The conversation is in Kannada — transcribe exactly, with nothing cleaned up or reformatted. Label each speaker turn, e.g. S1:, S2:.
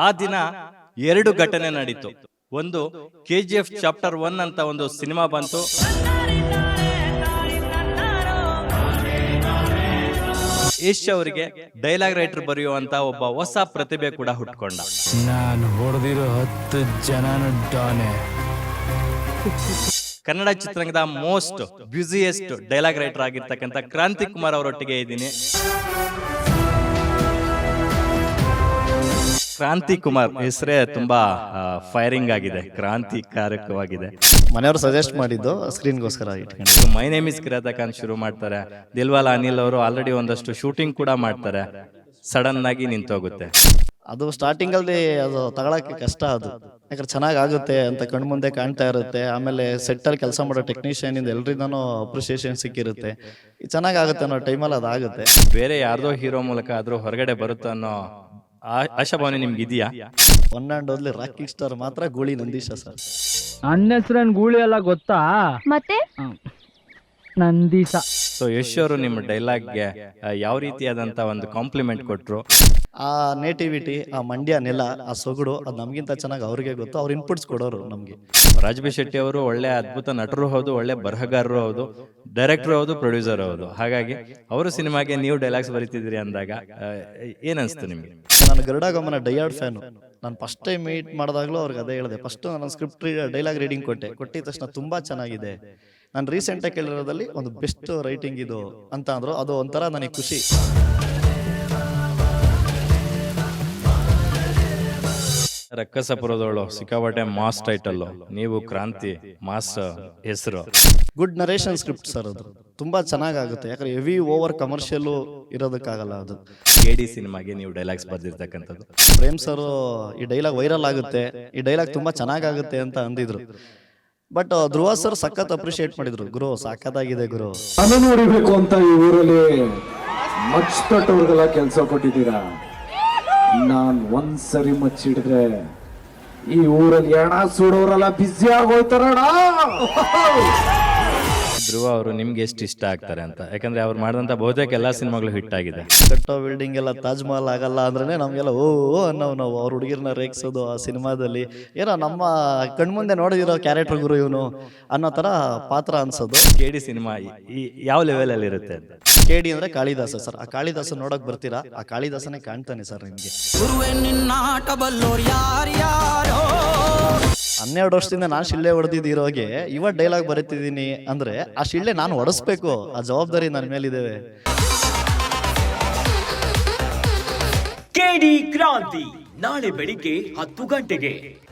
S1: ಆ ದಿನ ಎರಡು ಘಟನೆ ನಡೀತು. ಒಂದು K G F chapter one ಅಂತ ಒಂದು ಸಿನಿಮಾ ಬಂತು. ಯಶ್ ಅವರಿಗೆ ಡೈಲಾಗ್ ರೈಟರ್ ಬರೆಯುವಂತ ಒಬ್ಬ ಹೊಸ ಪ್ರತಿಭೆ ಕೂಡ ಹುಟ್ಕೊಂಡ.
S2: ನಾನು ಹೊಡೆದಿರೋ ಹತ್ತು ಜನ
S1: ಕನ್ನಡ ಚಿತ್ರರಂಗದ ಮೋಸ್ಟ್ ಬ್ಯುಸಿಯೆಸ್ಟ್ ಡೈಲಾಗ್ ರೈಟರ್ ಆಗಿರ್ತಕ್ಕಂಥ ಕ್ರಾಂತಿ ಕುಮಾರ್ ಅವರೊಟ್ಟಿಗೆ ಇದ್ದೀನಿ. ಕ್ರಾಂತಿ ಕುಮಾರ್ ಹೆಸರೇ ತುಂಬಾ ಫೈರಿಂಗ್ ಆಗಿದೆ, ಕ್ರಾಂತಿಕಾರಕವಾಗಿದೆ.
S3: ಮನೆಯವರು ಸಜೆಸ್ಟ್ ಮಾಡಿದ್ದು ಸ್ಕ್ರೀನ್ಗೋಸ್ಕರ ಇಟ್ಕೊಂಡು
S1: ಮೈ ನೇಮ್ ಇಸ್ ಕಿರಾತಕ ಅಂತ ಶುರು ಮಾಡ್ತಾರೆ. ದಿಲ್ವಾಲ ಅನಿಲ್ ಅವರು ಆಲ್ರೆಡಿ ಒಂದಷ್ಟು ಶೂಟಿಂಗ್ ಕೂಡ ಮಾಡ್ತಾರೆ. ಸಡನ್ ಆಗಿ ನಿಂತೋಗುತ್ತೆ.
S3: ಅದು ಸ್ಟಾರ್ಟಿಂಗ್ ಅಲ್ಲಿ ಅದು ತಗೊಳಕ್ಕೆ ಕಷ್ಟ. ಅದು ಯಾಕಂದ್ರೆ ಚೆನ್ನಾಗ್ ಆಗುತ್ತೆ ಅಂತ ಕಣ್ಮುಂದೆ ಕಾಣ್ತಾ ಇರುತ್ತೆ. ಆಮೇಲೆ ಸೆಟ್ ಅಲ್ಲಿ ಕೆಲಸ ಮಾಡೋ ಟೆಕ್ನಿಷಿಯನ್ ಇಂದ ಎಲ್ರಿಂದಾನು ಅಪ್ರಿಸಿಯೇಷನ್ ಸಿಕ್ಕಿರುತ್ತೆ. ಚೆನ್ನಾಗಾಗುತ್ತೆ ಅನ್ನೋ ಟೈಮಲ್ಲಿ ಅದಾಗುತ್ತೆ.
S1: ಬೇರೆ ಯಾರ್ದೋ ಹೀರೋ ಮೂಲಕ ಆದ್ರೂ ಹೊರಗಡೆ ಬರುತ್ತೆ ಅನ್ನೋ ಆಶಾಭಾವನೆ ನಿಮ್ಗೆ ಇದೆಯಾ?
S3: One and only rocking star ಮಾತ್ರ ಗೂಳಿ ನಂದೀಶ ಸರ್.
S2: ನನ್ನ ಹೆಸರನ್ ಗೂಳಿ ಎಲ್ಲ ಗೊತ್ತಾ?
S4: ಮತ್ತೆ
S2: ನಂದೀಶ.
S1: ಸೊ ಯಶ್ ಅವರು ನಿಮ್ಮ ಡೈಲಾಗ್ಗೆ ಯಾವ ರೀತಿಯಾದಂತ ಒಂದು ಕಾಂಪ್ಲಿಮೆಂಟ್ ಕೊಟ್ರು?
S3: ಆ ನೇಟಿವಿಟಿ, ಆ ಮಂಡ್ಯ ನೆಲ, ಆ ಸೊಗಡು ಅದು ನಮ್ಗಿಂತ ಚೆನ್ನಾಗಿ ಅವ್ರಿಗೆ ಗೊತ್ತು. ಅವ್ರು ಇನ್ಪುಟ್ಸ್ ಕೊಡೋರು ನಮ್ಗೆ.
S1: ರಾಜಬಿ ಶೆಟ್ಟಿ ಅವರು ಒಳ್ಳೆ ಅದ್ಭುತ ನಟರು ಹೌದು, ಒಳ್ಳೆ ಬರಹಗಾರರು ಹೌದು, ಡೈರೆಕ್ಟರ್ ಹೌದು, ಪ್ರೊಡ್ಯೂಸರ್ ಹೌದು. ಹಾಗಾಗಿ ಅವರು ಸಿನಿಮಾಗೆ ನೀವು ಡೈಲಾಗ್ಸ್ ಬರೀತಿದ್ರಿ ಅಂದಾಗ ಏನ್ ಅನ್ಸ್ತು ನಿಮ್ಗೆ?
S3: ನಾನು ಗರುಡಾಗಮನ ಡೈಯಾರ್ಡ್ ಫ್ಯಾನು. ನಾನು ಫಸ್ಟ್ ಟೈಮ್ ಮೀಟ್ ಮಾಡಿದಾಗ್ಲೂ ಅವ್ರಿಗೆ ಅದೇ ಹೇಳಿದೆ. ಫಸ್ಟ್ ನಾನು ಸ್ಕ್ರಿಪ್ಟ್ ಡೈಲಾಗ್ ರೀಡಿಂಗ್ ಕೊಟ್ಟೆ. ಕೊಟ್ಟಿದ ತಕ್ಷಣ ತುಂಬಾ ಚೆನ್ನಾಗಿದೆ, ನಾನು ರೀಸೆಂಟಾಗಿ ಕೇಳಿರೋದಲ್ಲಿ ಒಂದು ಬೆಸ್ಟ್ ರೈಟಿಂಗ್ ಇದು ಅಂತ ಅಂದ್ರು. ಅದು ಒಂಥರ ನನಗೆ ಖುಷಿ.
S1: ರಕ್ಕಸಪುರದವಳು ಸಿಕ್ಕಾಪಟ್ಟೆ ಮಾಸ್ ಟೈಟಲ್, ನೀವು ಕ್ರಾಂತಿ ಮಾಸ್ ಹೆಸರು.
S3: Good narration script sir. ಅದು ತುಂಬಾ ಚೆನ್ನಾಗುತ್ತೆ. ಯಾಕಂದ್ರೆ ಹೆವಿ ಓವರ್ ಕಮರ್ಷಿಯಲ್ ಇರೋದಕ್ಕಾಗಲ್ಲ. ಅದು
S1: ಕೆ ಡಿ ಸಿನಿಮಾಗೆ ನೀವು ಡೈಲಾಗ್ಸ್ ಬರ್ದಿರ್ತಕ್ಕಂಥದ್ದು.
S3: ಪ್ರೇಮ್ ಸರ್ ಈ ಡೈಲಾಗ್ ವೈರಲ್ ಆಗುತ್ತೆ, ಈ ಡೈಲಾಗ್ ತುಂಬಾ ಚೆನ್ನಾಗಾಗುತ್ತೆ ಅಂತ ಅಂದಿದ್ರು. ಬಟ್ ಧ್ರುವ ಸರ್ ಸಖತ್ ಅಪ್ರಿಶಿಯೇಟ್ ಮಾಡಿದ್ರು. ಗುರು ಸಾಕತ್ತಾಗಿದೆ ಗುರು,
S5: ನಾನು ನೋಡಿಬೇಕು ಅಂತ ಈ ಊರಲ್ಲಿ ಮಚ್ಚತಟ್ಟವ್ರಿಗೆಲ್ಲ ಕೆಲಸ ಕೊಟ್ಟಿದ್ದೀರಾ. ನಾನ್ ಒಂದ್ಸರಿ ಮಚ್ಚಿಡಿದ್ರೆ ಈ ಊರಲ್ಲಿ ಎಣ ಸುಡೋರೆಲ್ಲ ಬ್ಯುಸಿ ಆಗೋಯ್ತಾರಣ.
S1: ಧ್ರುವ ಅವರು ನಿಮ್ಗೆ ಎಷ್ಟು ಇಷ್ಟ ಆಗ್ತಾರೆ ಅಂತ? ಯಾಕಂದ್ರೆ ಅವ್ರು ಮಾಡಿದಂತ ಬಹುತೇಕ ಎಲ್ಲಾ ಸಿನಿಮಾಗಳು ಹಿಟ್ ಆಗಿದೆ.
S3: ಕಟ್ಟೋ ಬಿಲ್ಡಿಂಗ್ ಎಲ್ಲ ತಾಜ್ ಮಹಲ್ ಆಗಲ್ಲ ಅಂದ್ರೆ ನಮ್ಗೆಲ್ಲ ಓ ಅನ್ನೋ ನಾವು ಅವ್ರ ಹುಡುಗಿರ್ನ ರೇಗಿಸೋದು ಆ ಸಿನಿಮಾದಲ್ಲಿ ಏನೋ ನಮ್ಮ ಕಣ್ಮುಂದೆ ನೋಡಿದಿರೋ ಕ್ಯಾರೆಕ್ಟರ್ ಗುರು ಇವನು ಅನ್ನೋ ತರ ಪಾತ್ರ ಅನ್ಸೋದು.
S1: ಕೆ ಡಿ ಸಿನಿಮಾ ಯಾವ ಲೆವೆಲ್ ಅಲ್ಲಿ ಇರುತ್ತೆ ಅಂತ?
S3: ಕೆ ಡಿ ಅಂದ್ರೆ ಕಾಳಿದಾಸ ಸರ್. ಆ ಕಾಳಿದಾಸ ನೋಡಕ್ ಬರ್ತೀರಾ? ಆ ಕಾಳಿದಾಸನೇ ಕಾಣ್ತಾನೆ ಸರ್ ನಿಮ್ಗೆ. ಹನ್ನೆರಡು ವರ್ಷದಿಂದ ನಾನು ಶಿಳ್ಳೆ ಹೊಡೆದಿದ್ದೀರೋಗೆ ಇವತ್ತು ಡೈಲಾಗ್ ಬರೀತಿದ್ದೀನಿ ಅಂದ್ರೆ ಆ ಶಿಳ್ಳೆ ನಾನು ಹೊಡೆಸ್ಬೇಕು. ಆ ಜವಾಬ್ದಾರಿ ನನ್ನ ಮೇಲಿದ್ದೇವೆ.
S6: ಕೆ ಡಿ ಕ್ರಾಂತಿ ನಾಳೆ ಬೆಳಿಗ್ಗೆ ಹತ್ತು ಗಂಟೆಗೆ.